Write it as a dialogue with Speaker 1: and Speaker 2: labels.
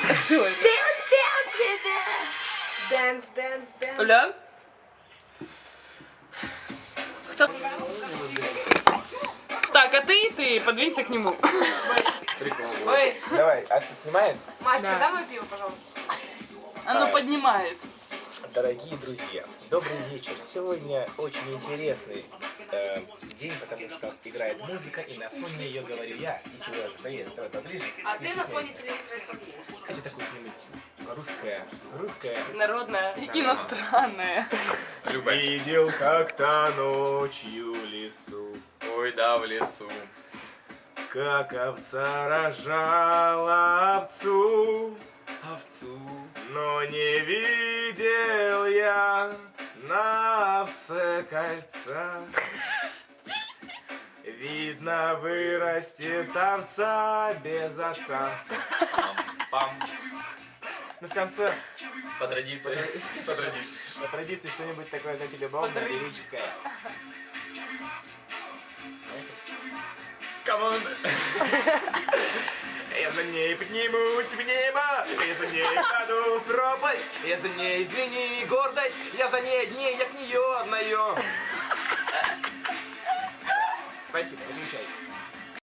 Speaker 1: Что это?
Speaker 2: Dance, dance, dance.
Speaker 1: Оля? Кто? Так, а ты подвинься к нему.
Speaker 3: Прикольно.
Speaker 2: Ой,
Speaker 3: Давай, Ася снимает?
Speaker 2: Машка,
Speaker 1: Да.
Speaker 2: дай мое пиво, пожалуйста.
Speaker 1: Оно поднимает.
Speaker 3: Дорогие друзья, добрый вечер. Сегодня очень интересный день, потому что играет музыка, и на фоне ее говорю я. И Сережа, привет, давай поближе.
Speaker 2: А
Speaker 3: Не
Speaker 2: ты на фоне
Speaker 3: стесняйся.
Speaker 2: телевизора.
Speaker 3: Хочу такую что-нибудь русская.
Speaker 1: Народная, иностранная.
Speaker 4: Люба.
Speaker 3: Видел как-то ночью лесу,
Speaker 4: Ой, да, в лесу.
Speaker 3: как овца рожала овцу.
Speaker 4: Овцу.
Speaker 3: Но не видел я на овце кольца. Видно, вырастет овца без отца.
Speaker 4: Пам.
Speaker 3: Ну, в конце,
Speaker 4: По традиции. По традиции.
Speaker 3: по традиции, что-нибудь такое, знаете, любовное, лирическое.
Speaker 4: Камон.
Speaker 3: Я за ней поднимусь в небо, я за ней паду в пропасть, я за ней, извини, гордость, я за ней одни, я к нее одною. Спасибо, отвечайте.